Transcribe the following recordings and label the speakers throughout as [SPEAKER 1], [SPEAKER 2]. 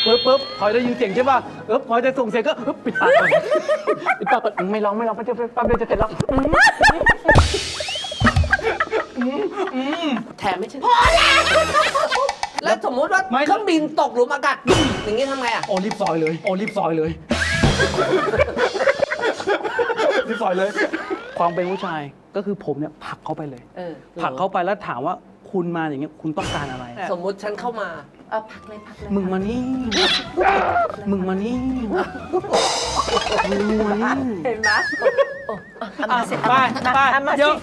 [SPEAKER 1] ปึ๊บพลอยได้ยินเสียงใช่ป่ะพลอยจะส่งเสียงก็ปิดปากก่อนปิดปากก่อนไม่ร้องแป๊บเดียวจะเสร็จแล้ว
[SPEAKER 2] แถมไม่ใช่พอแล้วสมมุติว่าเครื่องบินตกหลุมอากาศอย่างนี้ทำไงอ่ะ
[SPEAKER 1] โอ้รีบซอยเลยรีบซอยเลยความเป็นผู้ชายก็คือผมเนี่ยผลักเข้าไปเลยผลักเข้าไปแล้วถามว่าคุณมาอย่างเงี้ยคุณต้องการอะไร
[SPEAKER 2] สมมุติฉันเข้ามา
[SPEAKER 3] พักเลย
[SPEAKER 1] มึงมานี่มึงมานี่
[SPEAKER 3] เห็นไหม
[SPEAKER 1] ไปเยอะ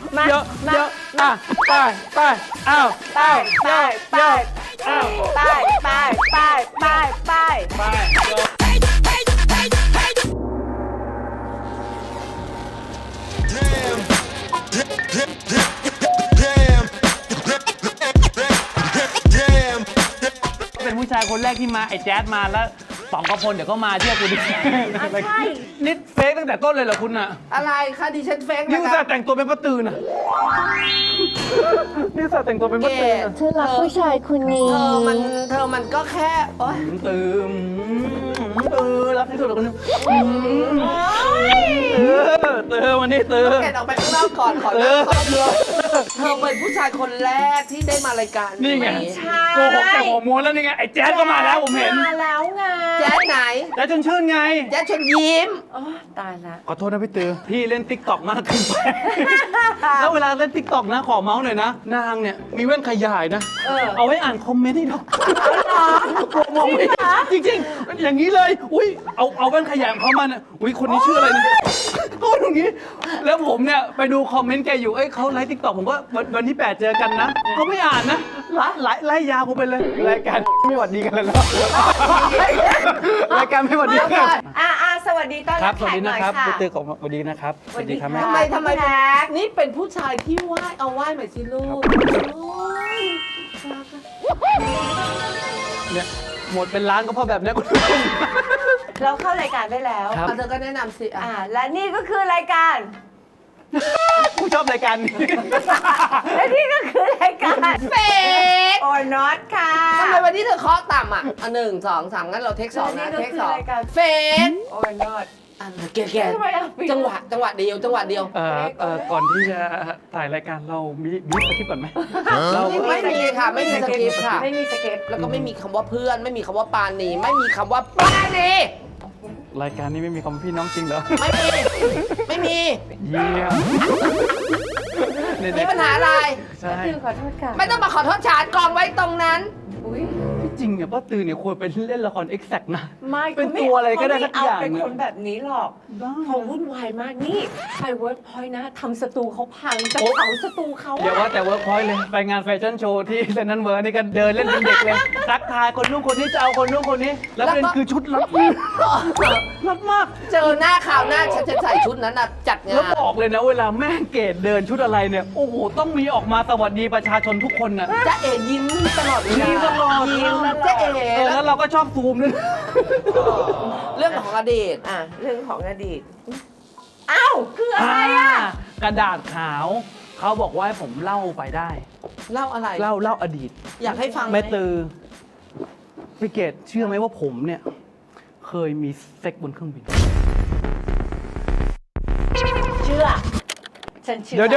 [SPEAKER 1] ไปอ้าว
[SPEAKER 3] ไป
[SPEAKER 1] เป็นผู้ชายคนแรกที่มาไอ้แจ๊ดมาแล้วสองกระพลเดี๋ยวก็มาเชื่อกูดิ
[SPEAKER 3] ใช่
[SPEAKER 1] นี่เฟกตั้งแต่ต้นเลยเหรอคุณน่ะ
[SPEAKER 2] อะไรคะดิฉันเฟก
[SPEAKER 1] นี่อุตส่าห์แต่งตัวเป็นป้าตือน่ะนี่อุตส่าห์แต่งตัวเป็นป้าตือ
[SPEAKER 3] เธอรักผู้ชายคนนี้
[SPEAKER 2] เธอมันก็แค่
[SPEAKER 1] ตือรักที่สุดเลยคนนึงตือวันนี้ตือ
[SPEAKER 2] แกออกไปข้างนอกก่อนขอเลิกเธอเป็นผู้ชายคนแรกที่ได้มารายการ
[SPEAKER 1] นี่ไงโกหกแต่หัวม้วนแล้วนี่ไงไอ้แจ๊ดก็มาแล้วผมเห็น
[SPEAKER 3] มาแล้วไง
[SPEAKER 2] แจ๊ดไหน
[SPEAKER 1] แจ๊ดชวนชื่นไง
[SPEAKER 2] แจ๊ดชวนยิ้ม
[SPEAKER 3] ตายละ
[SPEAKER 1] ขอโทษนะพี่ตือพี่เล่นติ๊กต็อกมากขึ้นไปแล้วเวลาเล่นติ๊กต็อกนะขอเมาส์หน่อยนะนางเนี่ยมีแว่นขยายนะเอาไว้อ่านคอมเมนต์ให้ดูมองไม่จริงๆอย่างนี้เลยอุ้ยเอาแว่นขยายของเขามาเนี่ยอุ้ยคนนี้ชื่ออะไรเนี่ยเขาตรงนี้แล้วผมเนี่ยไปดูคอมเมนต์แกอยู่เขาไลฟ์ติ๊กต็อกผมก็วันที่8เจอกันนะเขาไม่อ่านนะไล่ยาวผมไปเลยรายการไม่หวัดดีกันแล้วรายการไม่หวัดดีกัน
[SPEAKER 3] สวัสดีต้อน
[SPEAKER 1] รับสวัสดีนะครับพี่ตือของสวัสดีนะครับ
[SPEAKER 3] สวัสดีครับ
[SPEAKER 2] ทำไมนี่เป็นผู้ชายที่ไหว้เอาไหว้หน่อยสิลูก
[SPEAKER 1] เนี่ยหมดเป็นล้านก็เพราะแบบนี้คุณ
[SPEAKER 3] เราเข้ารายการได้แล้ว
[SPEAKER 2] เธอก็แนะนำสิ
[SPEAKER 3] และนี่ก็คือรายการ
[SPEAKER 1] ผู้ชอบรายการนี้
[SPEAKER 3] และนี่ก็คือรายการ
[SPEAKER 2] เฟก
[SPEAKER 3] or not ค่ะ
[SPEAKER 2] ทำไมวันนี้เธอเคาะต่ำ1 2 3งั้นเราเทค2นะเทค2เฟก
[SPEAKER 3] or not
[SPEAKER 2] แกจังหวะเดียว
[SPEAKER 1] ก่อนที่จะถ่ายรายการเรามีสคริปต์ก่อนไหม
[SPEAKER 2] ไม่มีค่ะไม่มีสคริปต์ค่ะ
[SPEAKER 3] ไม่มีสคริปต์
[SPEAKER 2] แล้วก็ไม่มีคำว่าเพื่อนไม่มีคำว่าปานีไม่มีคำว่าปานี
[SPEAKER 1] รายการนี้ไม่มีคำพี่น้องจริงเหรอ
[SPEAKER 2] ไม่มี
[SPEAKER 1] เยี่ยม
[SPEAKER 2] มีปัญหาอะไร
[SPEAKER 1] ใช่
[SPEAKER 3] ขอโทษค่ะ
[SPEAKER 2] ไม่ต้องมาขอโทษฉันกองไว้ตรงนั้น
[SPEAKER 1] ที่จริงเนี่ยป้าตือเนี่ยควรเป็นเล่นละครเอ็กแซกนะ
[SPEAKER 3] ไม่
[SPEAKER 1] เป็นตัวอะไรก็ได้สักอย่าง
[SPEAKER 3] เป็นคนแบบนี้หรอกเขาวุ่นวายมากนี่ไปเวิร์กพอยต์นะทำสตูเขาพังจะเผาสตูเขา
[SPEAKER 1] เดี๋ยวว่าแต่เวิร์กพอยต์เลยไปงานแฟชั่นโชว์ที่เซนนันเวิร์นี่กันเดินเล่นเป็นเด็กเลยทักทายคนนู้นคนนี้จะเอาคนนู้นคนนี้แล้วเป็นคือชุดลับมาก
[SPEAKER 2] เจอหน้าข่าวหน้าฉันจะใส่ชุดนั้นจัดงาน
[SPEAKER 1] แล้วบอกเลยนะเวลาแม่เกดเดินชุดอะไรเนี่ยโอ้โหต้องมีออกมาสวัสดีประชาชนทุกคนน่ะ
[SPEAKER 2] จะเอ๋ยิ้มตลอดเวลา
[SPEAKER 1] ยิ้มตลอด
[SPEAKER 2] จะเอ๋
[SPEAKER 1] แล้วเราก็ชอบซูมด้วย
[SPEAKER 2] เรื่องของอดีต
[SPEAKER 3] เรื่องของอดีตอ้าวคืออะไร
[SPEAKER 1] กระดาษขาวเขาบอกว่าให้ผมเล่าไปได้
[SPEAKER 2] เล่าอะไร
[SPEAKER 1] เล่าอดีต
[SPEAKER 2] อยากให้ฟัง
[SPEAKER 1] แม่ตือพี่เกดเชื่อไหมว่าผมเนี่ยเคยมีเซ็กบนเครื่องบิน
[SPEAKER 3] เชื่อฉันเชื่อ
[SPEAKER 1] เดี๋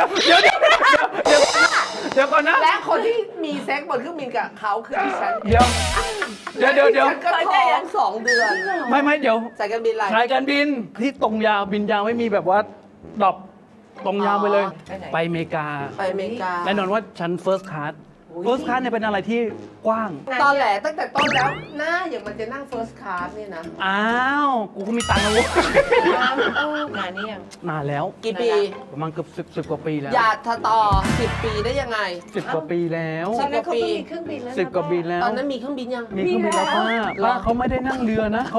[SPEAKER 1] ยวก่อนนะ
[SPEAKER 2] และคนที่มีเซ็กบนเครื่องบินกับเขาคือดิฉัน
[SPEAKER 1] เดี๋ยว
[SPEAKER 2] ฉันก็ท้อง2 เดือน
[SPEAKER 1] ไม่เดี๋ยว
[SPEAKER 2] สายการบินอะไร
[SPEAKER 1] สายการบินที่ตรงยาวบินยาวไม่มีแบบว่าดรอปตรงยาวไปเลยไปอเมริกาแน่นอนว่าชั้น First Class First Class เนี่ยเป็นอะไรที่กว้าง
[SPEAKER 2] ตอนแหลตั้งแต่ต้นแล้วหน้าอย่างมันจะนั่ง First Class นี่นะ
[SPEAKER 1] อ้าวกูก็มีตังค์แล้ว
[SPEAKER 3] นานนี่ยัง
[SPEAKER 1] นานแล้ว
[SPEAKER 2] กี่ปี
[SPEAKER 1] ประมาณเกือบ10 กว่าปีแล้ว
[SPEAKER 2] อย่าต่อ10 ปีได้ยังไง
[SPEAKER 1] 10 กว่าปีแล้ว
[SPEAKER 3] ตอนนั้นเขามีเครื่องบินแล้ว
[SPEAKER 1] 10 กว่าปีแล้ว
[SPEAKER 2] ตอนนั้นมีเครื่องบินยัง
[SPEAKER 1] มีเครื่องบินแล้วป้าเขาไม่ได้นั่งเรือนะ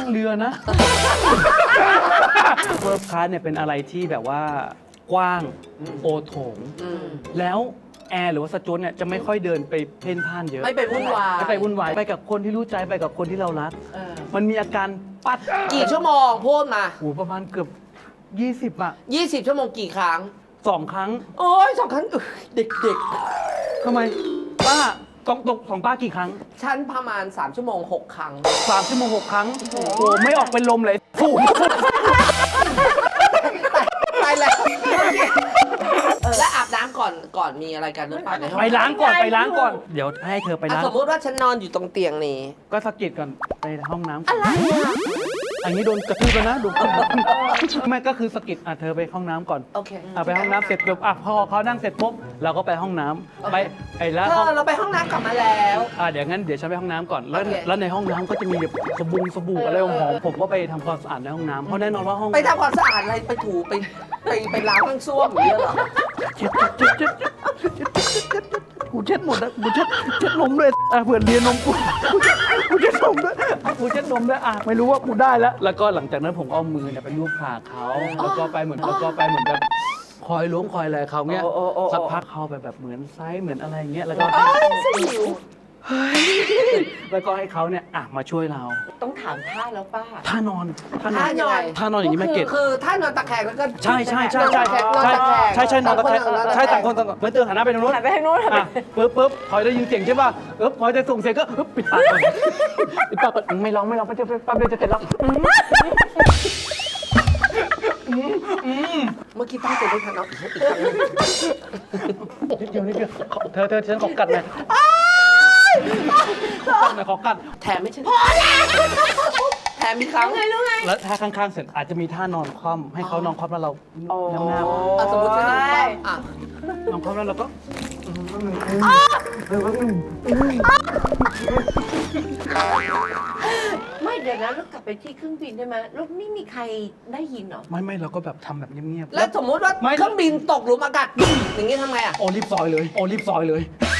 [SPEAKER 1] First Class เนี่ยเป็นอะไรที่แบบว่ากว้างโอโถงแล้วแอร์หรือว่าสจ๊วตเนี่ยจะไม่ค่อยเดินไปเพ่นพ่านเยอะ
[SPEAKER 2] ไม่ไปวุ่นวาย
[SPEAKER 1] ไปกับคนที่รู้ใจไปกับคนที่เรารักมันมีอาการปัด
[SPEAKER 2] กี่ชั่วโมงพูดมา
[SPEAKER 1] โอ้ประมาณเกือบ20
[SPEAKER 2] 20 ชั่วโมงกี่ครั้ง
[SPEAKER 1] 2 ครั้ง
[SPEAKER 2] โอ้ย2 ครั้งเด็ก
[SPEAKER 1] ทำไมป้าของป้ากี่ครั้ง
[SPEAKER 2] ฉันประมาณ3 ชั่วโมง 6 ครั้ง
[SPEAKER 1] 3 ชั่วโมง 6 ครั้งโอ้ไม่ออกเป็นลมเลยฟูด
[SPEAKER 2] ไปแล้วและอาบน้ำก่อนมีอะไรกันหรือเปล่าในห้อง
[SPEAKER 1] ไปล้างก่อนเดี๋ยวให้เธอไปล้าง
[SPEAKER 2] สมมติว่าฉันนอนอยู่ตรงเตียงนี้
[SPEAKER 1] ก็สะกิดก่อนไปห้องน้ำอะไรอันนี้โดนกระทืบแล้วนะดูไม่ก็คือสะกิดเธอไปห้องน้ำก่อน
[SPEAKER 2] โอเค
[SPEAKER 1] ไปห้องน้ำเสร็จปุ๊บพอเขานั่งเสร็จปุ๊บเราก็ไปห้องน้ำไปแล้ว
[SPEAKER 2] เธอเราไปห้องน้ำกลับมาแล้ว
[SPEAKER 1] เดี๋ยวงั้นเดี๋ยวฉันไปห้องน้ำก่อนแล้ว
[SPEAKER 2] โอเค
[SPEAKER 1] แล้วในห้องน้ำก็จะมีแบบสบู่อะไรหอมๆผมก็ไปทำความสะอาดในห้องน้ำเพราะแน่นอนว่าห้อง
[SPEAKER 2] ไปทำความสะอาดอะไรไปถูไปล้างห้องส้วมอย่างเงี้ยเหรอ
[SPEAKER 1] กูเช็ดหมดแล้วกูเช็ดนมด้วยเผื่อเรียนนมกูเช็ดนมด้วยกูเช็ดนมด้วยไม่รู้ว่ากูได้แล้วก็หลังจากนั้นผมเอามือเนี่ยไปลูบขาเขาแล้วก็ไปเหมือนแบบคอยล้วงคอยอะไรเขาเงี้ยสักพักเขาไปแบบเหมือนไซส์เหมือนอะไรเงี้ยแล้วก็แล้วก็ให้เขาเนี่ยมาช่วยเรา
[SPEAKER 3] ต้องถามท่าแล้วป้า
[SPEAKER 1] ท่านอน
[SPEAKER 2] ท่านอน
[SPEAKER 1] ท่านอนอย่างนี้ไม่เก็ต
[SPEAKER 2] คือท่านอนตะแคงแล้วก็
[SPEAKER 1] ใช่นอนตะแคงนอนตะแคงใช่ต่างคนต่างไม่เตือนหันหน้าไปทางนู้น
[SPEAKER 3] หันไปทางนู้น
[SPEAKER 1] ปุ๊บพอยได้ยินเสียงใช่ป่ะพอยจะส่งเสียงก็ปิดปากก่อนไม่ร้องไม่จะปั๊บเดียวจะเสร็จแล้ว
[SPEAKER 2] เมื่อกี้ตั้งใจไม่ทันเอาอีกครั้งนึง
[SPEAKER 1] นิดเดียวเธอฉันขอกัดหน่อยขอกัด
[SPEAKER 2] แถมไม่ใช่พอแล้วแถมมีครั้ง
[SPEAKER 1] แล้วท่าข้างๆเสร็จอาจจะมีท่านอนคว่ำให้เขานอนคว่ำแล้วเราน้ำหน้า
[SPEAKER 2] สมมติฉันนอนคว่ำ
[SPEAKER 1] นอนคว่ำแล้วเราก็
[SPEAKER 3] ไม่เดี๋ยวนะแล้วกลับไปที่เครื่องบินได้ไหมแล้วไม่มีใครได้ยินเหรอ
[SPEAKER 1] ไม่เราก็แบบทำแบบเงียบๆ
[SPEAKER 2] แล้วสมมติว่าเครื่องบินตกหลุมอากาศอย่างงี้ทำไงอ่ะ
[SPEAKER 1] โอรีบซอยเลยรีบซอยเลย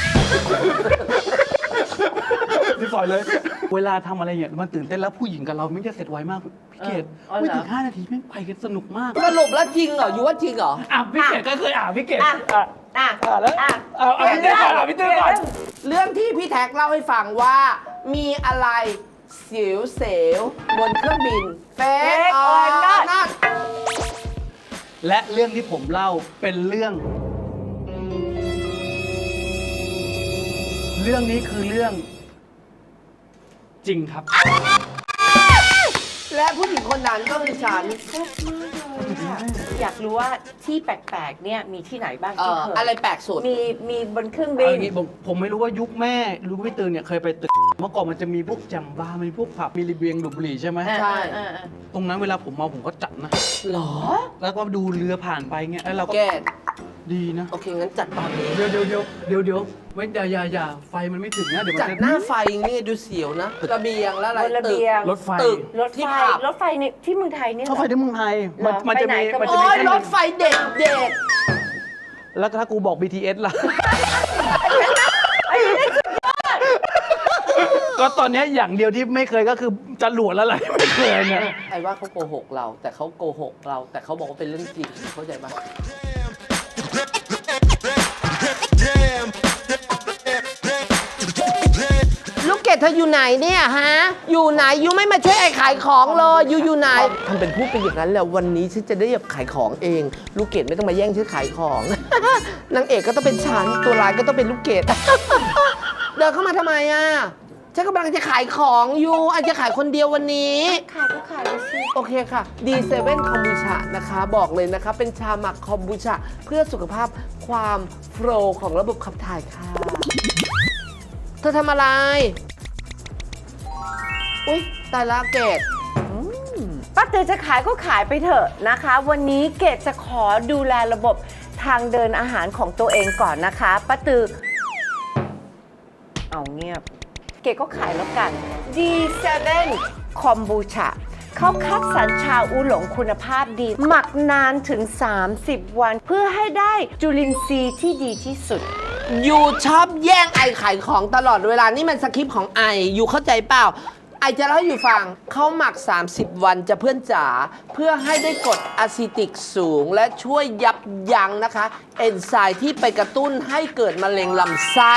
[SPEAKER 1] เวลาทำอะไรเนี่ยมันตื่นเต้นแล้วผู้หญิงกับเราไม่จะเสร็จไวมากพี่เกดไม่ถึง5 นาทีแม่งไปกันสนุกมาก
[SPEAKER 2] สรุปแล้วจริงเหรออยู่ว่าจริงเหรอ
[SPEAKER 1] พี่เกดก็เคยพี่เกด
[SPEAKER 3] แล้ว
[SPEAKER 1] พี่เต้ก่อนพี่เต้ก่อน
[SPEAKER 2] เรื่องที่พี่แท็กเล่าให้ฟังว่ามีอะไรเสียวเสวบนเครื่องบินเฟกออนนัท
[SPEAKER 1] และเรื่องที่ผมเล่าเป็นเรื่องนี้คือเรื่องจริงครับ
[SPEAKER 2] และผู้หญิงคนนั้นก็คือฉัน
[SPEAKER 3] อยากรู้ว่าที่แปลกๆเนี่ยมีที่ไหนบ้างที่เคย
[SPEAKER 2] อะไรแปลกสุด
[SPEAKER 3] มีบนเครื่อง
[SPEAKER 1] เอา
[SPEAKER 3] บิ
[SPEAKER 1] อน ย่างนี้ผมไม่รู้ว่ายุคแม่รู้ไม่ตื่นเนี่ยเคยไปตึกเมื่อก่อนมันจะมีพวกแจมบาร์มีพวกผับมีรีเบียงดูดบุหรี่ใช่ไหม
[SPEAKER 2] ใช่
[SPEAKER 1] ตรงนั้นเวลาผมเมาผมก็จัดนะ
[SPEAKER 2] หรอ
[SPEAKER 1] แล้วก็ดูเรือผ่านไปเงี้ยแล้วเราก็
[SPEAKER 2] แก
[SPEAKER 1] ดีนะ
[SPEAKER 2] โอเคงั้นจัดตอนนี้
[SPEAKER 1] เดี๋ยวไม่อย่าไฟมันไม่ถึงนะเดี๋ยวมั
[SPEAKER 2] จัด
[SPEAKER 1] นจะ
[SPEAKER 2] หน้าไฟนี่ดูเสียวนะระเบียงแล้วอะไร
[SPEAKER 3] บนระเบียง
[SPEAKER 1] รถไฟ
[SPEAKER 2] ตึก
[SPEAKER 3] รถ
[SPEAKER 2] ที่
[SPEAKER 3] ไฟ
[SPEAKER 2] ผับ
[SPEAKER 3] รถไฟนี่ที่เมืองไทยเนี่ย
[SPEAKER 1] เข้าไฟที่เมืองไทย
[SPEAKER 3] เหรอ
[SPEAKER 1] มันจะ
[SPEAKER 3] ไปไหน
[SPEAKER 1] มี
[SPEAKER 3] ก็
[SPEAKER 1] มันจะ
[SPEAKER 2] โอ้
[SPEAKER 1] มี
[SPEAKER 2] ย
[SPEAKER 1] แค่
[SPEAKER 2] รถไฟเด็ก
[SPEAKER 1] แล้วถ้ากูบอก BTS ล่ะ ก็ตอนนี้อย่างเดียวที่ไม่เคยก็คือจรวดแล้วอะไรไม่เคยเนี่ย
[SPEAKER 2] ไอ้ว่าเขาโกหกเรา แต่เขาโกหกเรา แต่เขาบอกว่าเป็นเรื่องจริงเข้าใจปะลูกเกดเธออยู่ไหนเนี่ยฮะ อยู่ไหนยูไม่มาช่วยไอ้ขายของเลยยูอยู่ไหนทำเป็นพูดไปอย่างนั้นแล้ววันนี้ฉันจะได้แบบขายของเอง ลูกเกดไม่ต้องมาแย่งฉันขายของ นางเอกก็ต้องเป็นฉันตัวร้ายก็ต้องเป็นลูกเกด เดินเข้ามาทำไมอ่ะฉันกำลังจะขายของอยู่อาจจะขายคนเดียววันนี้
[SPEAKER 3] ขายก็ขายไปสิ
[SPEAKER 2] โอเคค่ะ D7 คอมบูชานะคะ บอกเลยนะคะ เป็นชาหมักคอมบูชาเพื่อสุขภาพความโฟลว์ของระบบขับถ่ายค่ะ เธอทำอะไร อุ๊ย ตายละเกด
[SPEAKER 3] ป้าตือจะขายก็ขายไปเถอะนะคะ วันนี้เกดจะขอดูแลระบบทางเดินอาหารของตัวเองก่อนนะคะป้าตือเอาเงียบ เกดก็ขายแล้วกัน D7 คอมบูชาเขาคัดสรรชาอูหลงคุณภาพดี หมักนานถึง 30 วัน เพื่อให้ได้จุลินทรีย์ที่ดีที่สุด
[SPEAKER 2] อยู่ชอบแย่งไอขายของตลอดเวลา นี่มันสคริปต์ของไอ อยู่เข้าใจเปล่า ไอจะเล่าให้อยู่ฟัง เขาหมัก 30 วันจะเพื่อนจ๋า เพื่อให้ได้กรดอะซิติกสูง และช่วยยับยั้งนะคะ เอนไซม์ที่ไปกระตุ้นให้เกิดมะเร็งลำไส้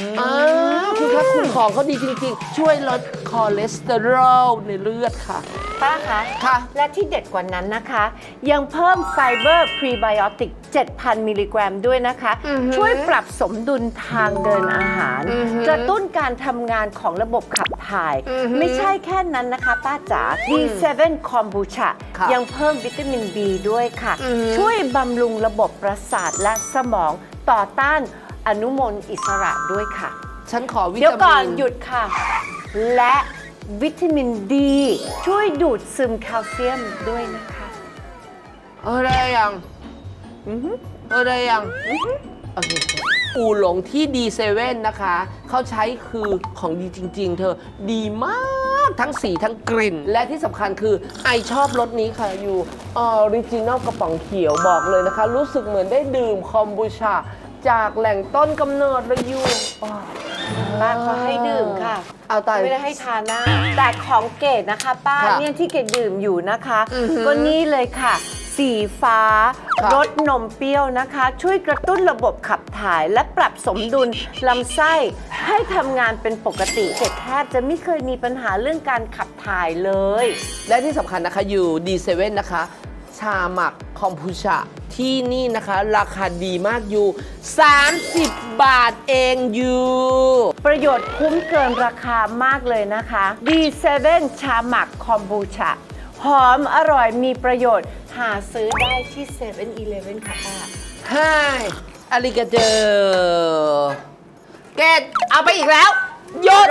[SPEAKER 2] คุณคะคุณของเขาดีจริงๆ ช่วยลดคอเลสเตอรอลในเลือดค่ะ
[SPEAKER 3] ป้าคะ
[SPEAKER 2] ค่ะ
[SPEAKER 3] และที่เด็ดกว่านั้นนะคะ ยังเพิ่มไฟเบอร์พรีไบโอติก 7,000 มิลลิกรัมด้วยนะคะ ช่วยปรับสมดุลทางเดินอาหาร กระตุ้นการทำงานของระบบขับถ่าย ไม่ใช่แค่นั้นนะคะป้าจ๋า D7 คอมบูชา
[SPEAKER 2] ค่ะ
[SPEAKER 3] ยังเพิ่มวิตามิน B ด้วยค่ะ ช่วยบำรุงระบบประสาทและสมองต่อต้านอนุมูลอิสระด้วยค่ะ
[SPEAKER 2] ฉันขอวิตามิน
[SPEAKER 3] เดี๋ยวก่อนหยุดค่ะ และวิตามินดีช่วยดูดซึมแคลเซียมด้วยนะคะ
[SPEAKER 2] ได้ยังได้ยังโอเคอูหลงที่ D7 นะคะ เขาใช้คือของดีจริง ๆ เธอดีมากทั้งสีทั้งกลิ่น และที่สำคัญคือไอชอบรสนี้ค่ะอยู่ออริจินอลกระป๋องเขียวบอกเลยนะคะ รู้สึกเหมือนได้ดื่มคอมบูชาจากแหล่งต้นกำเนิดเลยอยู่
[SPEAKER 3] ป้าเขาให้ดื่มค่ะ
[SPEAKER 2] เอาตาย
[SPEAKER 3] ไม่ได้ให้ทานนะ แต่ของเกดนะคะป้า
[SPEAKER 2] ค่ะ
[SPEAKER 3] เนี่ยที่เกดดื่มอยู่นะคะ
[SPEAKER 2] อือหือ
[SPEAKER 3] ก็นี่เลยค่ะ สีฟ้า
[SPEAKER 2] ค่ะ
[SPEAKER 3] รสนมเปรี้ยวนะคะ ช่วยกระตุ้นระบบขับถ่าย และปรับสมดุลลำไส้ให้ทำงานเป็นปกติเกดแทบจะไม่เคยมีปัญหาเรื่องการขับถ่ายเลย
[SPEAKER 2] และที่สำคัญนะคะอยู่ D7 นะคะ ชาหมักคอมพูชาที่นี่นะคะ ราคาดีมากอยู่ 30 บาทเองอยู่
[SPEAKER 3] ประโยชน์คุ้มเกินราคามากเลยนะคะ D7 ชาหมักคอมบูชาหอมอร่อยมีประโยชน์หาซื้อได้ที่ 7-Eleven ค่ะป้า
[SPEAKER 2] Hi อาริกาเจอเกดเอาไปอีกแล้วหยุด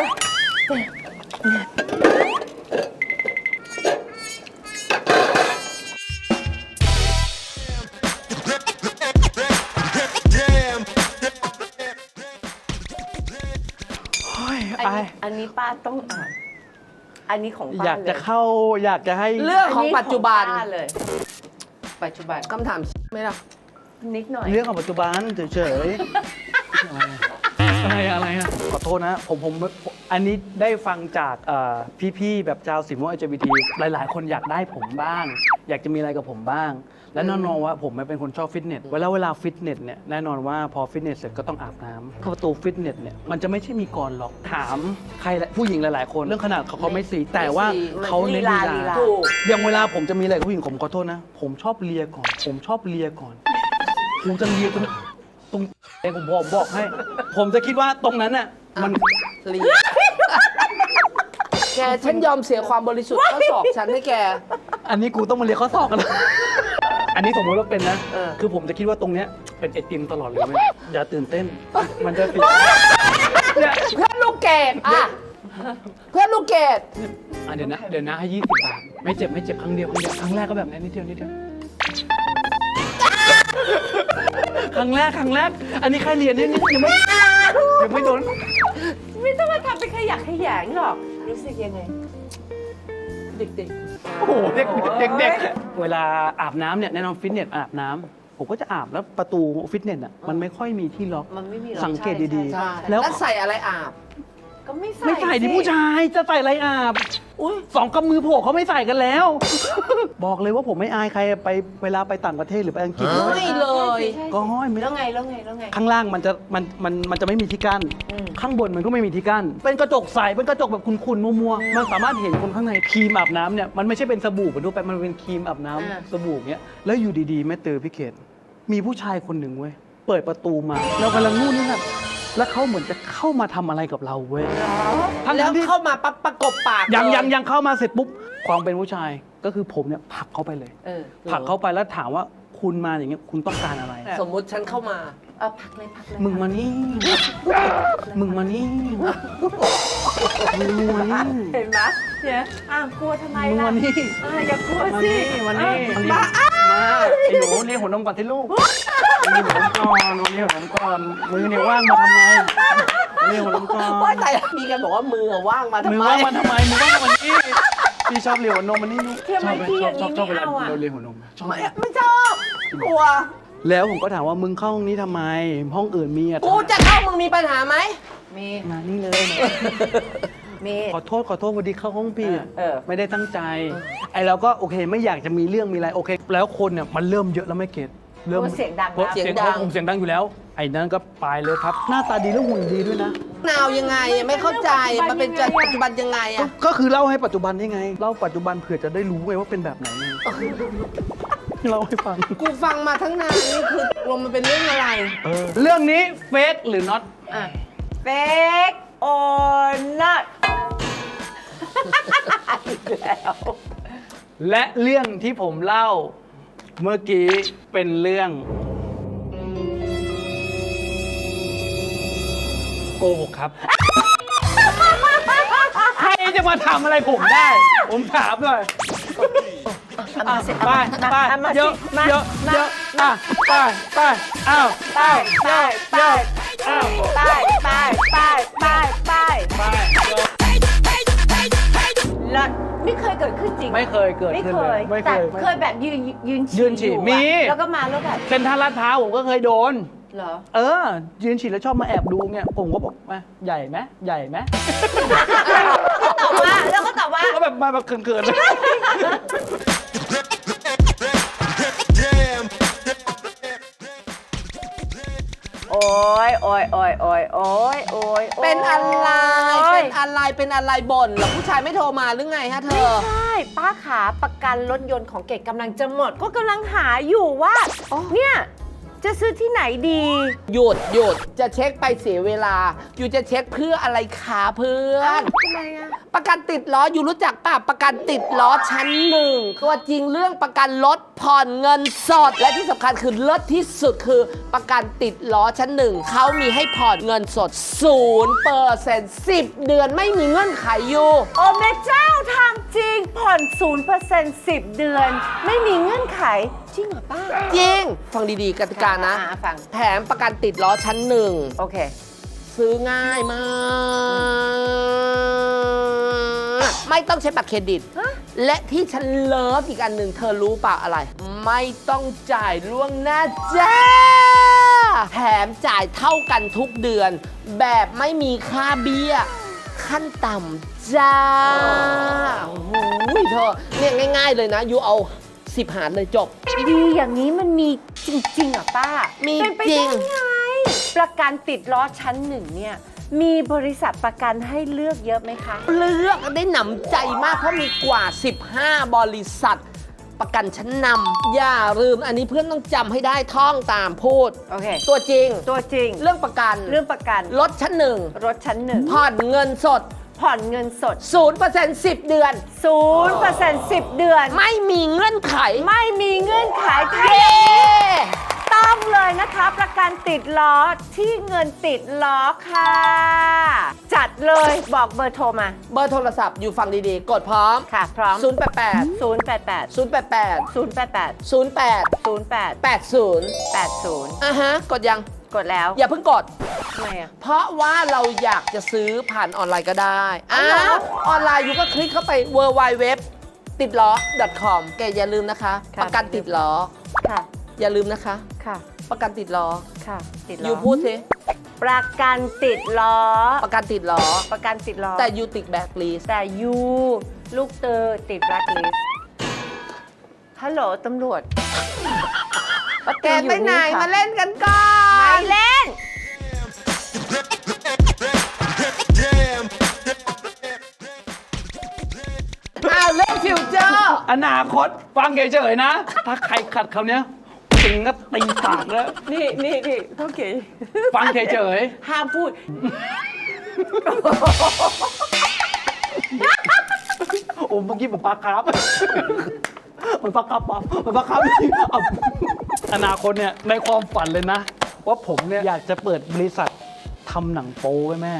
[SPEAKER 3] อันนี้ป้าต้องอ่าน อันนี้ของป้า
[SPEAKER 1] อยากจะ
[SPEAKER 3] เลย
[SPEAKER 1] เข้าอยากจะให้
[SPEAKER 2] เรื่องของปัจจุบัน
[SPEAKER 3] อัของป้าเลย
[SPEAKER 2] ปัจจุบันคำถามไหมล่ะ
[SPEAKER 3] นิดหน่อย
[SPEAKER 1] เรื่องของปัจจุบันเฉยๆอะไรอะขอโทษนะผมอันนี้ได้ฟังจากพี่ๆแบบชาวสีม่วง LGBT หลายๆ คนอยากได้ผมบ้าง อยากจะมีอะไรกับผมบ้าง และแน่นอนว่าผมเป็นคนชอบฟิตเนสเวลาฟิตเนสเนี่ยแน่นอนว่าพอฟิตเนสเสร็จก็ต้องอาบน้ำประตูฟิตเนสเนี่ยมันจะไม่ใช่มีก่อนหรอกถามใครผู้หญิงหลายๆ คนเรื่องขนาดเขาไม่สีแต่ว่าเขาเน้นลี
[SPEAKER 3] ลี
[SPEAKER 1] ลา
[SPEAKER 3] ลา
[SPEAKER 2] ถูก
[SPEAKER 1] อย่างเวลาผมจะมีอะไรกับผู้หญิงผมขอโทษนะ ผมชอบเลียก่อน ผมชอบเลียก่อนผมจะเลียตรงเองผมบอกให้ ผมจะคิดว่าตรงนั้นน่ะมัน
[SPEAKER 2] เรียนแกฉันยอมเสียความบริสุทธิ์ข้อสอบฉันให้แก
[SPEAKER 1] อันนี้กูต้องมาเลียข้อศอกกันนะอันนี้สมมติว่าเป็นนะ
[SPEAKER 2] เออ
[SPEAKER 1] คือผมจะคิดว่าตรงเนี้ยเป็นไอติมตลอดเลยไหมอย่าตื่นเต้น มันจะติดเนี่ย
[SPEAKER 2] เพื่อนลูกเกดอ่ะเพื่อนลูกเกด
[SPEAKER 1] เดี๋ยวนะให้20 บาทไม่เจ็บครั้งเดียวครั้งแรกก็แบบนี้นิดเดียวครั้งแรก อันนี้แค่เรียนนิดยังไม่โดน
[SPEAKER 3] ไม่ต้องมาทำเป็นขยะแขยงหรอก รู้สึกยังไง
[SPEAKER 2] เด็ก
[SPEAKER 1] โอ้โหเด็กเวลาอาบน้ำเนี่ยแน่นอนฟิตเนสอาบน้ำผมก็จะอาบแล้วประตูฟิตเนสอ่ะมันไม่ค่อยมีที่ล็อก
[SPEAKER 3] มันไม่มีหรอก
[SPEAKER 1] สังเกตดี
[SPEAKER 2] ๆใช่
[SPEAKER 1] แล้ว
[SPEAKER 2] แล้วใส่อะไรอาบ
[SPEAKER 3] ก็ไม่ใส่
[SPEAKER 1] ไม่ใส่ดิ
[SPEAKER 3] สิ
[SPEAKER 1] ผู้ชายจะใส่อะไรอาบอุ้ยสองกำมือโผล่เขาไม่ใส่กันแล้ว บอกเลยว่าผมไม่อายใครไปเวลาไปต่างประเทศหรือไปอังกฤษ
[SPEAKER 2] ไม่เลย
[SPEAKER 3] ใช่
[SPEAKER 1] ก็ห้อยไม่
[SPEAKER 3] แล้วไง
[SPEAKER 1] ข้างล่างมันจะไม่มีที่กั้น
[SPEAKER 3] อืม
[SPEAKER 1] ข้างบนมันก็ไม่มีที่กั้น เป็นกระจกใสเป็นกระจกแบบขุ่นๆมัวๆมันสามารถเห็นคนข้างในครีมอาบน้ำเนี่ยมันไม่ใช่เป็นสบู่เหมือนทั่วไปมันเป็นครีมอาบน้ำสบู่เนี้ยแล้วอยู่ดีๆแม่เตอพี่เขตมีผู้ชายคนหนึ่งเว้ยเปิดประตูมาเรากำลังนู่นนี่นั่นแล้วเขาเหมือนจะเข้ามาทำอะไรกับเราเว้ยทั้ง
[SPEAKER 2] แล้ว
[SPEAKER 1] ที่
[SPEAKER 2] เข้ามาปั๊บประกบปาก
[SPEAKER 1] ยังเข้ามาเสร็จปุ๊บความเป็นผู้ชายก็คือผมเนี่ยผลักเข้าไปเลย
[SPEAKER 3] เออ
[SPEAKER 1] ผลักเข้าไปแล้วถามว่าคุณมาอย่างเงี้ยคุณต้องการอะไร
[SPEAKER 2] สมมุติฉันเข้ามา
[SPEAKER 3] เอาพักเลย
[SPEAKER 1] มึงมานี่ มึงมานี่ มึงมานี่
[SPEAKER 3] เห็นไหมเนี่ยกลัวทำไม
[SPEAKER 1] มึง
[SPEAKER 3] ล่ะ
[SPEAKER 1] มานี่
[SPEAKER 3] อย่ากลัว
[SPEAKER 1] มา
[SPEAKER 3] สิ
[SPEAKER 1] นี่มานี่มาไอ้หนูเรียกหัวนมก่อนที่ลูกเรียกหัวนมก่อนเรียกหัวนมก่อนมือเนี่ยว่างมาทำไมเรียกหัวนมก่อน
[SPEAKER 2] ว่าแต่มีกันบอกว่ามือว่างมาทำ
[SPEAKER 1] มือ
[SPEAKER 2] ไม
[SPEAKER 1] ว่างมาทำไมมือว่างมานี่พี่ชอบเรียกหัวนมมันนี่ลูก
[SPEAKER 3] ทำไมพี่อย่างนี้
[SPEAKER 1] ชอบเว
[SPEAKER 3] ไม่
[SPEAKER 1] ลา
[SPEAKER 3] เอาอ่ะ
[SPEAKER 1] เราเรียกหัวนมชอบ
[SPEAKER 2] ไม่ชอบกลัว
[SPEAKER 1] แล้วผมก็ถามว่ามึงเข้าห้องนี้ทำไม ห้องอื่นมีอ่ะ
[SPEAKER 2] กูจะเข้ามึงมีปัญหาไหม
[SPEAKER 3] มี
[SPEAKER 1] มานี่เลย
[SPEAKER 3] มี
[SPEAKER 1] ขอโทษพอดีเข้าห้องผิด
[SPEAKER 3] เออ
[SPEAKER 1] ไม่ได้ตั้งใจ ไอ้เราก็โอเคไม่อยากจะมีเรื่องมีอะไรโอเค แล้วคนเนี่ยมันเริ่มเยอะแล้วไม่เก็ตเริ่ม
[SPEAKER 3] เสียงดัง
[SPEAKER 1] เพราะ
[SPEAKER 3] นะ
[SPEAKER 1] เสียงดังอยู่แล้ว ไอ้นั่นก็ไปเลยครับ หน้าตาดีแล้วหุ่นดีด้วยนะ
[SPEAKER 2] นาวยังไงอะไม่เข้าใจมันเป็นปัจจุบันยังไงอะ
[SPEAKER 1] ก็คือเล่าให้ปัจจุบันได้ไง เล่าปัจจุบันเผื่อจะได้รู้ไงว่าเป็นแบบไหนไงเล่าให้ฟัง
[SPEAKER 2] กูฟังมาทั้งนานนี่คือลงมันเป็นเรื่องอะไร
[SPEAKER 1] เรื่องนี้เฟกหรือ not
[SPEAKER 3] fake or not อีกแล้ว
[SPEAKER 1] และเรื่องที่ผมเล่าเมื่อกี้เป็นเรื่องโกหกครับ ใครจะมาทำอะไรผมได้ ผมถามเลยไปไปเยอะเยอะเยอะไปอ้าวไปไปอ้าว
[SPEAKER 3] ไปแล้วไม่เคยเกิดขึ้นจริง
[SPEAKER 1] ไม่เคยเกิด
[SPEAKER 3] ไม่
[SPEAKER 1] ขึ้น
[SPEAKER 3] เค
[SPEAKER 1] เลย ยไม่เค
[SPEAKER 3] แต่
[SPEAKER 1] ย
[SPEAKER 3] เคยแบบยืน
[SPEAKER 1] ยืนฉี่
[SPEAKER 3] อยู่อะ
[SPEAKER 1] มี
[SPEAKER 3] แล้วก็มาแล้วแบบ
[SPEAKER 1] เซ็นทรัลลาดพร้าวผมก็เคยโดน
[SPEAKER 3] เหรอ
[SPEAKER 1] ยืนฉี่แล้วชอบมาแอบดูเนี่ยผมก็บอกมาใหญ่ไหมใหญ่ไหม
[SPEAKER 3] ตอบว่าแล้วก็ตอบว่า
[SPEAKER 1] ก็แบบมาแบบเขินๆเลย
[SPEAKER 3] โอ้ย
[SPEAKER 2] เป็นอะไรเป็นอะไรบ่นเหรอผู้ชายไม่โทรมาหรือไงฮะเธอ
[SPEAKER 3] ใช่ป้าขาประกันรถยนต์ของเกดกำลังจะหมด ก็กำลังหาอยู่ว่าเนี่ยจะซื้อที่ไหนดี
[SPEAKER 2] หยุดจะเช็คไปเสียเวลา อยู่จะเช็คเพื่ออะไรคะเพื่อน
[SPEAKER 3] ทำไมอะ
[SPEAKER 2] ประกันติดล้ออยู่รู้จักป่ะประกันติดล้อชั้นหนึ่งตัวจริงเรื่องประกันรถผ่อนเงินสด และที่สำคัญคือเลิศที่สุดคือประกันติดล้อชั้นหนึ่งเขามีให้ผ่อนเงินสด 0% 10 เดือนไม่มีเงื่อนไขอยู่
[SPEAKER 3] โอ้แม่เจ้าทำจริงผ่อน 0% 10 เดือน ไม่มีเงื่อนไข จริงเหรอป้า
[SPEAKER 2] จริง ฟังดีๆกติกานะ
[SPEAKER 3] ฟัง
[SPEAKER 2] แถมประกันติดล้อชั้นหนึ่ง
[SPEAKER 3] โอเค
[SPEAKER 2] ซื้อง่ายมาก ไม่ต้องใช้บัตรเครดิต และที่ฉันเลิฟอีกอันหนึ่งเธอรู้เปล่าอะไร ไม่ต้องจ่ายล่วงหน้าจ้า แถมจ่ายเท่ากันทุกเดือน แบบไม่มีค่าเบี้ย ขั้นต่ำจ้า โอ้โหเธอเนี่ยง่ายๆเลยนะ ยูเอา10 หารเลยจบ
[SPEAKER 3] ดีอย่างนี้มันมีจริงๆเหรอป้า
[SPEAKER 2] มี
[SPEAKER 3] เป็นไป
[SPEAKER 2] จริ
[SPEAKER 3] ได้
[SPEAKER 2] ง
[SPEAKER 3] ไง ประกันติดล้อชั้นหนึ่งเนี่ย มีบริษัทประกันให้เลือกเยอะไหมคะ
[SPEAKER 2] เลือกได้หนำใจมากเพราะมีกว่า 15 บริษัท ประกันชั้นนำอย่าลืมอันนี้เพื่อนต้องจำให้ได้ท่องตามพูด
[SPEAKER 3] โอเค
[SPEAKER 2] ตัวจริง
[SPEAKER 3] ตัวจริง
[SPEAKER 2] เรื่องประกัน
[SPEAKER 3] เรื่องประกัน
[SPEAKER 2] รถชั้นหนึ่ง
[SPEAKER 3] รถชั้นหนึ่ง
[SPEAKER 2] ผ่อนเงินสด
[SPEAKER 3] ผ่อนเงินสด
[SPEAKER 2] 0% 10 เดือน
[SPEAKER 3] 0% 10 เดือน
[SPEAKER 2] ไม่มีเงื่อนไข
[SPEAKER 3] ไม่มีเงื่อนไขใคร
[SPEAKER 2] เย้
[SPEAKER 3] ต้องเลยนะคะ ประกันติดล้อที่เงินติดล้อค่ะ จัดเลยบอกเบอร์โทรมา
[SPEAKER 2] เบอร์โทรศัพท์อยู่ฟังดีๆ กดพร้อม
[SPEAKER 3] ค่ะ พร้อม
[SPEAKER 2] 088
[SPEAKER 3] 088
[SPEAKER 2] 088
[SPEAKER 3] 088
[SPEAKER 2] 08
[SPEAKER 3] 08
[SPEAKER 2] 80
[SPEAKER 3] 80
[SPEAKER 2] อ่ะฮะ กดยัง
[SPEAKER 3] กดแล้ว
[SPEAKER 2] อย่าเพิ่งกด
[SPEAKER 3] ทำไมอ่ะ
[SPEAKER 2] เพราะว่าเราอยากจะซื้อผ่านออนไลน์ก็ได้ออนไลน์อยู่ก็คลิกเข้าไป www ติดล้อ .com แกอย่าลืมนะคะ
[SPEAKER 3] ค่ะ
[SPEAKER 2] ประกันติดล้อ
[SPEAKER 3] ค่ะ
[SPEAKER 2] อย่าลืมนะคะ
[SPEAKER 3] ค่ะ
[SPEAKER 2] ประกันติดล้อ
[SPEAKER 3] ค่ะ ติดล้
[SPEAKER 2] ยู
[SPEAKER 3] อ
[SPEAKER 2] พูดสิ
[SPEAKER 3] ประกันติดล้อ
[SPEAKER 2] ประกันติดล้อ
[SPEAKER 3] ประกันติดล้อ
[SPEAKER 2] แต่ยูติดแบ็คลิส
[SPEAKER 3] แต่ยูลูกเตอติดแบล็คลิสต์ฮัลโหลตำรวจ
[SPEAKER 2] แกไปไหนมาเล่นกันก่อ
[SPEAKER 3] ไม่
[SPEAKER 2] น
[SPEAKER 3] เล่น
[SPEAKER 2] อ้าวเล่นฟิวเจอร์
[SPEAKER 1] อนาคตฟังเฉยๆนะ ถ้าใครขัดคำเนี้ยปิงก็ตีปากแล้ว
[SPEAKER 3] นี่เท่าเก๋
[SPEAKER 1] ฟังเฉย
[SPEAKER 3] ห้ามพูด
[SPEAKER 1] ๆโอ้เมื่อกี้ผมปากครับมันปากครับปั๊บมันปากครับเอาอนาคตเนี่ยในความฝันเลยนะ ว่าผมเนี่ยอยากจะเปิดบริษัททำหนังโป๊ไว้แม่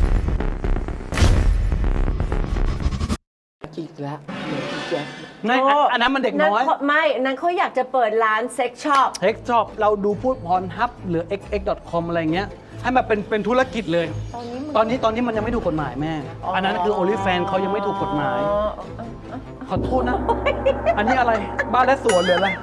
[SPEAKER 2] อีกแล้วอีกแล้ว
[SPEAKER 1] ในอันนั้นมันเด็กน้อย
[SPEAKER 3] นั้นเขาอยากจะเปิดร้านเซ็กช็อป
[SPEAKER 1] เทคชอบเราดูพูดพรฮับหรือ xx.com อะไรเงี้ยให้มันเป็นธุรกิจเลย ตอนนี้มันยังไม่ถูกกฎหมายแม่ อันนั้นคือ OnlyFans เขายังไม่ถูกกฎหมาย ขอโทษนะ อันนี้อะไรบ้านและสวนหรืออะไร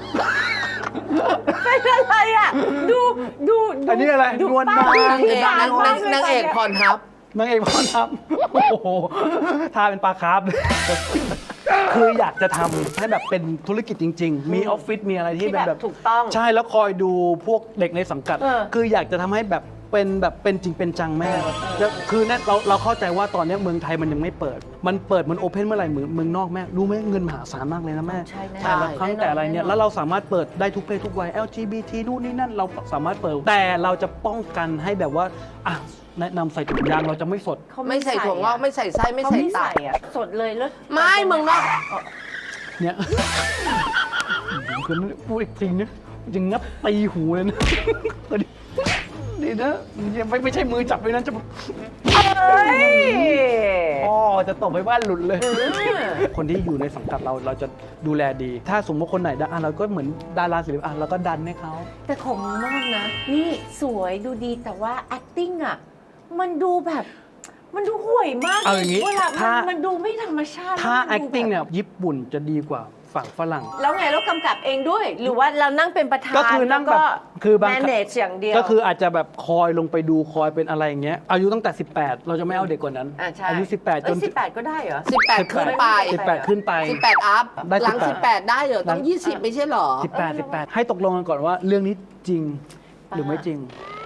[SPEAKER 3] เป็นอะไรอ่ะ ดู
[SPEAKER 1] อันนี้อะไร
[SPEAKER 3] ดู
[SPEAKER 1] นวล
[SPEAKER 3] ป้
[SPEAKER 1] นาง
[SPEAKER 2] นางเอกนางเอกพรทับ
[SPEAKER 1] นางเอกพรฮับโอ้โหทาเป็นปลาคาร์ฟคืออยากจะทำให้แบบเป็นธุรกิจจริง ๆ มีออฟฟิศมีอะไรที่
[SPEAKER 3] ที่
[SPEAKER 1] เป็น
[SPEAKER 3] แบ
[SPEAKER 1] แบบ บ
[SPEAKER 3] ถูกต้อง
[SPEAKER 1] ใช่แล้วคอยดูพวกเด็กในสังกัด
[SPEAKER 3] เออ
[SPEAKER 1] คืออยากจะทำให้แบบเป็นแบบเป็นจริงเป็นจังแม่คือเนี่ยเราเข้าใจว่าตอนนี้เมืองไทยมันยังไม่เปิดมันโอเพนเมื่อไหร่เมืองนอกแม่รู้ไหมเงินมหาศาลมากเลยนะแม่
[SPEAKER 3] ใช่แน่
[SPEAKER 1] แต่ละครั้งแต่อะไรเนี่ยแล้วเราสามารถเปิดได้ทุกเพศทุกวัย LGBT นู่นนี่นั่นเราสามารถเปิดแต่เราจะป้องกันให้แบบว่าอ่ะแนะนำใส่ถุงยางเราจะไม่สด
[SPEAKER 3] เขา
[SPEAKER 2] ไม่ใส่ถั่วงอกไม่ใส่ไส้ไม่
[SPEAKER 3] เขา
[SPEAKER 2] ใส่
[SPEAKER 3] ไม่
[SPEAKER 2] ตั
[SPEAKER 3] ใส่
[SPEAKER 2] บ
[SPEAKER 3] อะสดเลยแล้ว
[SPEAKER 2] ไม่เมืองนอก
[SPEAKER 1] เนี่ยคุณพูดอีกทีนะจะงับตีหูเลยนะดีนะไม่ใช่มือจับเลยนะจะ
[SPEAKER 3] เฮ้ย
[SPEAKER 1] พ่อจะตบไปบ้านหลุดเลย คนที่อยู่ในสังกัดเราจะดูแลดี ถ้าสมมติคนไหนดังเราก็เหมือนดาราศิลปินเราก็ดันให้เขา
[SPEAKER 3] แต่ของเมืองนอกนะ นี่สวยดูดีแต่ว่า acting อ่ะ มันดูแบบ มันดูห่วยมาก
[SPEAKER 1] เอาอย่างนี้
[SPEAKER 3] เวลา
[SPEAKER 1] ถ้า
[SPEAKER 3] มันดูไม่ธรรมชาติ
[SPEAKER 1] ถ้า
[SPEAKER 3] มันดูแบบ
[SPEAKER 1] acting เนี่ยญี่ปุ่นจะดีกว่าฝั่งฝรั่ง
[SPEAKER 3] แล้วไงเรากำกับเองด้วย หรือว่าเรานั่งเป็นประธาน
[SPEAKER 1] ก็คือนั่งแบบคือบาง
[SPEAKER 3] manage อย่างเดียว
[SPEAKER 1] ก็คืออาจจะแบบคอยลงไปดูคอยเป็นอะไรอย่างเงี้ยอายุตั้งแต่ 18 เราจะไม่เอาเด็กกว่านั้น
[SPEAKER 3] ใช่
[SPEAKER 1] อายุ 18 จน
[SPEAKER 3] 18 ก็ได้เหรอ
[SPEAKER 2] 18 ขึ้นไป
[SPEAKER 1] 18 ขึ้นไป
[SPEAKER 2] 18 อัพ
[SPEAKER 1] ได้
[SPEAKER 2] หลัง
[SPEAKER 1] 18
[SPEAKER 2] 18 ได้เหรอ ต้อง 20 ไม่ใช่เหรอ
[SPEAKER 1] 18 ให้ตกลงกันก่อนว่าเรื่องนี้จริงหรือไม่จริง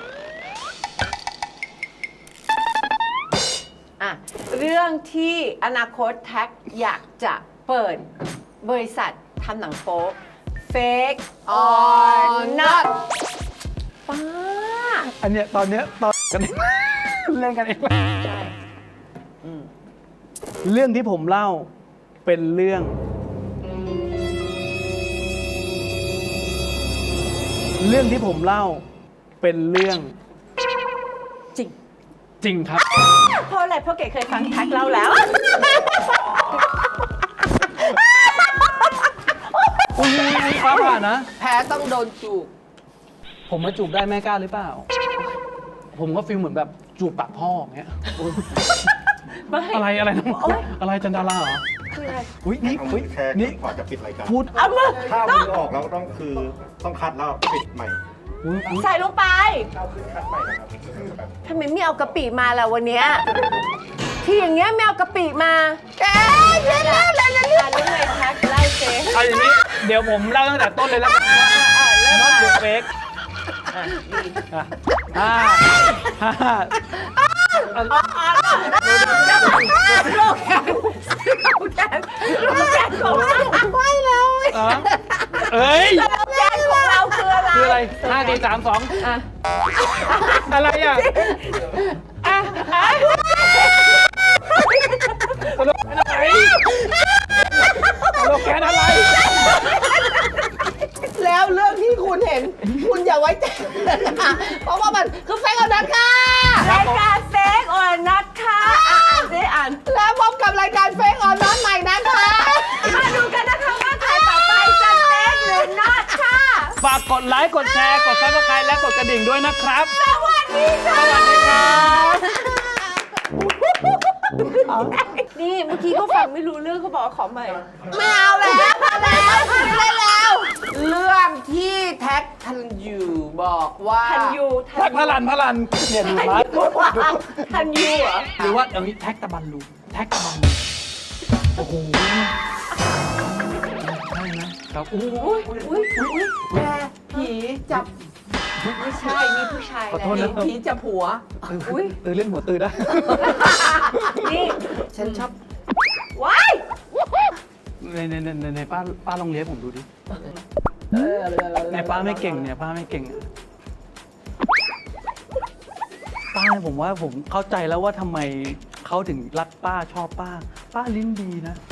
[SPEAKER 3] อ่ะ เรื่องที่อนาคตแท็กอยากจะเปิดบริษัททำหนังโป๊ Fake or not ป้า
[SPEAKER 1] อันเนี้ยตอนเนี้ยตอนกันเองเล่นกันเองเรื่องที่ผมเล่าเป็นเรื่องที่ผมเล่าเป็นเรื่อง
[SPEAKER 3] จริง
[SPEAKER 1] จริงครับ
[SPEAKER 3] เพราะอะไร เพราะเก๋เคยฟังแท็กเล่าแล้ว
[SPEAKER 1] อุ้ยฟ้าผ่านะ
[SPEAKER 2] แพ้ต้องโดนจูบ
[SPEAKER 1] ผมมาจูบได้แม่กล้าหรือเปล่า ผมก็ฟีลเหมือนแบบจูบปากพ่ออย่างเงี้ย
[SPEAKER 3] ไม่
[SPEAKER 1] อะไรนะ
[SPEAKER 3] โอ๊ย
[SPEAKER 1] อะไรจันดาราเหรอ
[SPEAKER 3] คืออะไร
[SPEAKER 1] อุ้ยนี่
[SPEAKER 4] เอา
[SPEAKER 1] อุ้
[SPEAKER 4] มื
[SPEAKER 1] ย
[SPEAKER 4] อแค่
[SPEAKER 1] นี่
[SPEAKER 4] ก่อนจะปิดรายการ
[SPEAKER 1] พูด
[SPEAKER 3] เอามือ
[SPEAKER 4] ถ้าเอามือออกแล้วต้องคัดแล้วปิดใหม่
[SPEAKER 1] อุ๊ย
[SPEAKER 3] ใส่ลงไป
[SPEAKER 4] เอาขึ้นคัดใหม่นะครับแบบ
[SPEAKER 3] ทำไมไม่เอากะปิมาล่ะวันเนี้ยที่อย่างเงี้ยไม่เอากะปิมาแกเล่นเล่นเล่นเล่นเรื่องไงแท็กไล่เซ
[SPEAKER 1] เอาอย่างนี้เดี๋ยวผมเล่าตั้งแต่ต้นเลยแล้วกันว่า
[SPEAKER 3] เริ่ม
[SPEAKER 1] not
[SPEAKER 3] มา
[SPEAKER 1] your fake
[SPEAKER 3] ดี
[SPEAKER 1] อ่า
[SPEAKER 3] โลกแกนของเราไม่แล้ว
[SPEAKER 1] เอ้ย
[SPEAKER 3] โลกแกนของเราคืออะไร
[SPEAKER 1] คืออะไร5 4 3 2
[SPEAKER 3] อ่ะ
[SPEAKER 1] อะไรอ่ะตลกอะไรตลกแค่อะไร
[SPEAKER 2] แล้วเรื่องที่คุณเห็น คุณอย่าไว้ใจ เพราะว่ามันคือแฟกเอานัดค่ะ
[SPEAKER 3] รายการเฟกออนนัทค่ะอ่านสิอ่าน
[SPEAKER 2] แล้วพบกับรายการเฟกออนนอนใหม่นะคะ
[SPEAKER 3] มาดูกันนะคะว่าใครต่อไปจะเฟกหรือนัทค่ะ
[SPEAKER 1] ฝากกดไลค์กดแชร์กดซับสไครต์และกดกระดิ่งด้วยนะครับ
[SPEAKER 3] สวัสดีค่ะ
[SPEAKER 1] สวัสดีครับ
[SPEAKER 3] นี่เมื่อกี้เขาฟังไม่รู้เรื่องเขาบอกว่าขอใหม่
[SPEAKER 2] ไม่เอาแล้วแล้ว เรื่องที่แท็กทันยูบอกว่า
[SPEAKER 3] ทันยู
[SPEAKER 1] แท็กพลันเนี่ยดูมา
[SPEAKER 3] ทันยูเหรอ
[SPEAKER 1] หรือว่าเอางี้แท็กตะบันลูแท็กตะบันลูโอ้โหใช่นะครับโอ้โห
[SPEAKER 3] อุ้ย
[SPEAKER 2] แกผีจับ
[SPEAKER 3] ไม่ใช่มีผู้ชาย
[SPEAKER 1] ขอโทษนะ
[SPEAKER 2] ผีจับหัว
[SPEAKER 3] อุ้ย
[SPEAKER 1] เล่นหัวตื่นได้
[SPEAKER 3] นี่
[SPEAKER 2] ฉันชอบ
[SPEAKER 3] ว้าย
[SPEAKER 1] ในป้าลองเลี้ยงผมดูดิในป้าไม่เก่งเนี่ยป้าไม่เก่งอะป้าผมว่าผมเข้าใจแล้วว่าทำไมเขาถึงรักป้าชอบป้าลิ้นดีนะ